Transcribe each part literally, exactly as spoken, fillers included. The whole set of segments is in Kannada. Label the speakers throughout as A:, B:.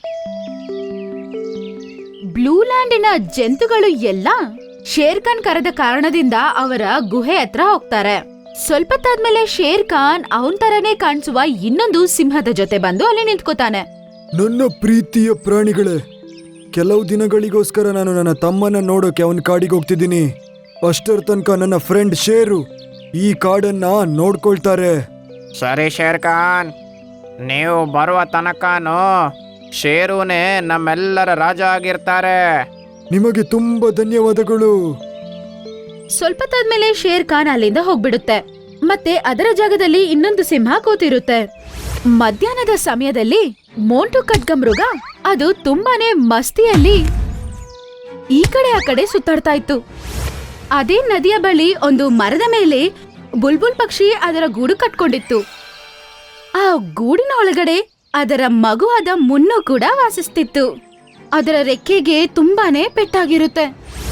A: ಬ್ಲೂ ಲ್ಯಾಂಡಿನ ಜಂತುಗಳು ಎಲ್ಲ ಶೇರ್ ಖಾನ್ ಕರೆದ ಕಾರಣದಿಂದ ಅವರ ಗುಹೆ ಹತ್ರ ಹೋಗ್ತಾರೆ. ಸ್ವಲ್ಪ ತಾದ್ಮೇಲೆ ಶೇರ್ ಖಾನ್ ಅವನ್ ತರನೇ ಕಾಣಿಸುವ ಇನ್ನೊಂದು ಸಿಂಹದ ಜೊತೆ ಬಂದು ಅಲ್ಲಿ ನಿಂತ್ಕೋತಾನೆ.
B: ನನ್ನ ಪ್ರೀತಿಯ ಪ್ರಾಣಿಗಳೇ, ಕೆಲವು ದಿನಗಳಿಗೋಸ್ಕರ ನಾನು ನನ್ನ ತಮ್ಮನ ನೋಡೋಕೆ ಅವನ ಕಾಡಿಗೆ ಹೋಗ್ತಿದ್ದೀನಿ. ಅಷ್ಟರ ತನಕ ನನ್ನ ಫ್ರೆಂಡ್ ಶೇರು ಈ ಕಾಡನ್ನ ನೋಡ್ಕೊಳ್ತಾರೆ.
C: ಸರಿ ಶೇರ್ ಖಾನ್, ನೀವು ಬರುವ ತನಕನೂ ಶೇರುನೇ ನಮ್ಮೆಲ್ಲರ ರಾಜ ಆಗಿರ್ತಾರೆ.
B: ನಿಮಗೆ ತುಂಬಾ ಧನ್ಯವಾದಗಳು.
A: ಸ್ವಲ್ಪ ತಾದ್ಮೇಲೆ ಶೇರ್ ಖಾನ್ ಅಲ್ಲಿಂದ ಹೋಗ್ಬಿಡುತ್ತೆ. ಮತ್ತೆ ಅದರ ಜಾಗದಲ್ಲಿ ಇನ್ನೊಂದು ಸಿಂಹ ಕೂತಿರುತ್ತೆ. ಮಧ್ಯಾಹ್ನದ ಸಮಯದಲ್ಲಿ ಮೋಂಟು ಖಡ್ಗ ಮೃಗ ಅದು ತುಂಬಾನೇ ಮಸ್ತಿಯಲ್ಲಿ ಈ ಕಡೆ ಆ ಕಡೆ ಸುತ್ತಾಡ್ತಾ ಇತ್ತು. ಅದೇ ನದಿಯ ಬಳಿ ಒಂದು ಮರದ ಮೇಲೆ ಬುಲ್ಬುಲ್ ಪಕ್ಷಿ ಅದರ ಗೂಡು ಕಟ್ಕೊಂಡಿತ್ತು. ಆ ಗೂಡಿನ ಒಳಗಡೆ ಅದರ ಮಗುವಾದ ಮುನ್ನು ಕೂಡ ವಾಸಿಸ್ತಿತ್ತು. ಅದರ ರೆಕ್ಕೆಗೆ ತುಂಬಾನೇ ಪೆಟ್ಟಾಗಿರುತ್ತೆ.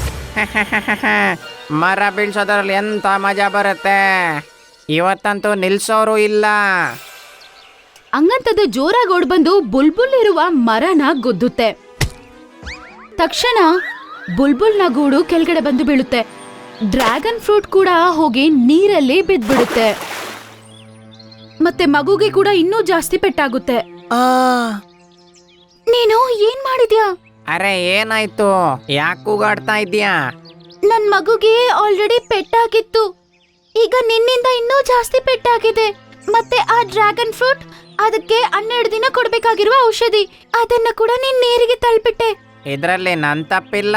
C: ಮರ ಬೀಳ್ಸೋದ್ರಲ್ಲಿ ಎಂತ ಮಜಾ ಬರುತ್ತೆ, ಇವತ್ತಂತೂ ನಿಲ್ಸೋರು ಇಲ್ಲ.
A: ಹಂಗಂತದ್ದು ಜೋರಾಗಿ ಓಡ್ಬಂದು ಬುಲ್ಬುಲ್ ಇರುವ ಮರನ ಗುದ್ದುತ್ತೆ. ತಕ್ಷಣ ಬುಲ್ಬುಲ್ನ ಗೂಡು ಕೆಳಗಡೆ ಬಂದು ಬೀಳುತ್ತೆ. ಡ್ರ್ಯಾಗನ್ ಫ್ರೂಟ್ ಕೂಡ ಹೋಗಿ ನೀರಲ್ಲಿ ಬಿದ್ದ್ಬಿಡುತ್ತೆ. ಮತ್ತೆ ಮಗುಗೆ ಕೂಡ ಇನ್ನೂ ಜಾಸ್ತಿ ಪೆಟ್ಟಾಗುತ್ತೆ. ನೀನು ಏನ್ ಮಾಡಿದ್ಯಾ?
C: ಅರೆ ಏನಾಯ್ತು, ಯಾಕೆ ಕೂಗಾಡ್ತಾ ಇದ್ದೀಯಾ?
A: ನನ್ ಮಗುಗೆ ಆಲ್ರೆಡಿ ಪೆಟ್ಟಾಗಿತ್ತು, ಈಗ ನಿನ್ನಿಂದ ಇನ್ನೂ ಜಾಸ್ತಿ ಪೆಟ್ಟಾಗಿದೆ. ಮತ್ತೆ ಆ ಡ್ರ್ಯಾಗನ್ ಫ್ರೂಟ್, ಅದಕ್ಕೆ ಹನ್ನೆರಡು ದಿನ ಕೊಡ್ಬೇಕಾಗಿರುವ ಔಷಧಿ, ಅದನ್ನ ಕೂಡ ನೀನ್ ನೀರಿಗೆ ತಳ್ಬಿಟ್ಟೆ.
C: ಇದ್ರಲ್ಲಿ ನನ್ ತಪ್ಪಿಲ್ಲ.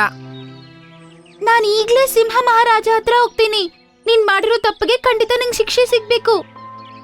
A: ನಾನ್ ಈಗ್ಲೇ ಸಿಂಹ ಮಹಾರಾಜ ಹತ್ರ ಹೋಗ್ತೀನಿ. ನೀನ್ ಮಾಡಿರೋ ತಪ್ಪಿಗೆ ಖಂಡಿತ ನಿಂಗೆ ಶಿಕ್ಷೆ ಸಿಗ್ಬೇಕು.